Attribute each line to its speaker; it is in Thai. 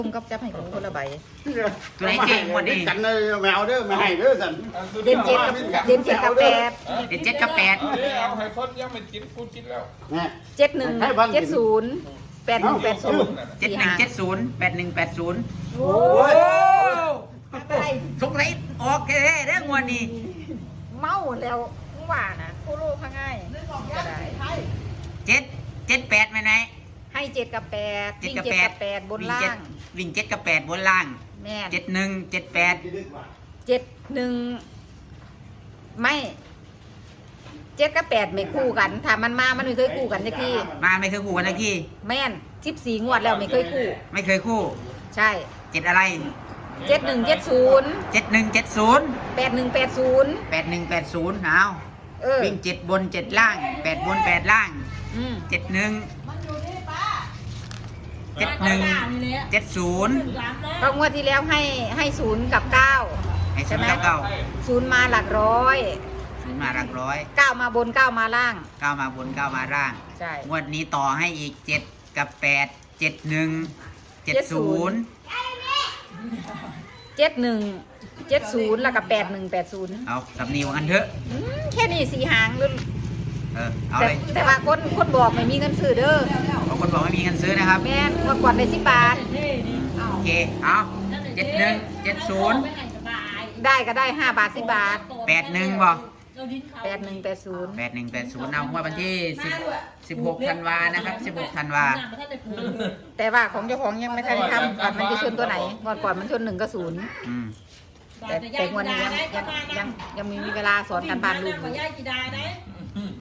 Speaker 1: ลุงก็จะให้กูคนละใบ
Speaker 2: ตัวไหนเก่งหมดนี่
Speaker 3: กันเลยแมวเด้อไม่ให้เด้อสัน
Speaker 1: เด่นเจ็ดกับแปด
Speaker 2: เด็ดเจ็ดกับแปด
Speaker 4: เอาให้คนยังไม่กินกูกินแล้ว
Speaker 3: เนี่ย
Speaker 1: 71 70 8180
Speaker 2: 7170 8180
Speaker 1: โอ้ยอะไร
Speaker 2: สงสัยออกแค่เรื่องวันนี้
Speaker 1: เมาแล้วว่านะกูรู้พังง่ายก็ได้
Speaker 2: 778ไหมไหน
Speaker 1: ให้7กับ8
Speaker 2: 7
Speaker 1: วิ่ง
Speaker 2: กับ
Speaker 1: 7
Speaker 2: 8
Speaker 1: กับ8บนล่าง
Speaker 2: วิ่ง7กับ8บนล่าง
Speaker 1: แม่น
Speaker 2: 7178
Speaker 1: 71ไม่7กับ8ไม่คู่กันถ้ามันมามันไม่เคยคู่กันสักที
Speaker 2: มาไม่เคยคู่กันนะพี่
Speaker 1: แม่น14งวดแล้วไม่เคยคู่
Speaker 2: ไม่เคยคู่
Speaker 1: ใช่
Speaker 2: 7อะไร
Speaker 1: 7170
Speaker 2: 7170
Speaker 1: 8180
Speaker 2: 8180เอา
Speaker 1: เออ
Speaker 2: วิ่ง7บน7ล่าง8บน8ล่าง
Speaker 1: อืม
Speaker 2: 71 71 70
Speaker 1: ก็งวดที่แล้วให้0กับ9
Speaker 2: ไอ้
Speaker 1: ใช่ไหม
Speaker 2: เก้า
Speaker 1: 0มาหลักร้อย
Speaker 2: มาหลักร้อย
Speaker 1: 9มาบน9มาล่าง
Speaker 2: 9มาบน9มาล่าง
Speaker 1: ใช่
Speaker 2: งวดนี้ต่อให้อีก7กับ8 71 70
Speaker 1: 7170แล้วก็8180
Speaker 2: เอาสำนีว่ากันเถอะ
Speaker 1: แค่นี้4หางเลย
Speaker 2: เอา
Speaker 1: แต่
Speaker 2: เลย
Speaker 1: แต่ว่าคนบอกไม่มีเงินซื้อเด้อบ
Speaker 2: างคนบอกไม่มีเงินซื้อนะครับ
Speaker 1: แม่นงวดก่อนได้10 บาท
Speaker 2: โอเค เอา71 70
Speaker 1: ได้ก็ได้5บาท10 บาท
Speaker 2: 81บอก
Speaker 1: 8180
Speaker 2: 8180เอางวดวันที่16ธันวานะครับ16ธันวา
Speaker 1: แต่ว่าของเจ้าของยังไม่ทันได้ทำก่อนมันจะชนตัวไหนก่อนมันชน1กับ0
Speaker 2: อืม
Speaker 1: แต่งวดนี้ยังมีเวลาสอนการบ้านลูกอยู่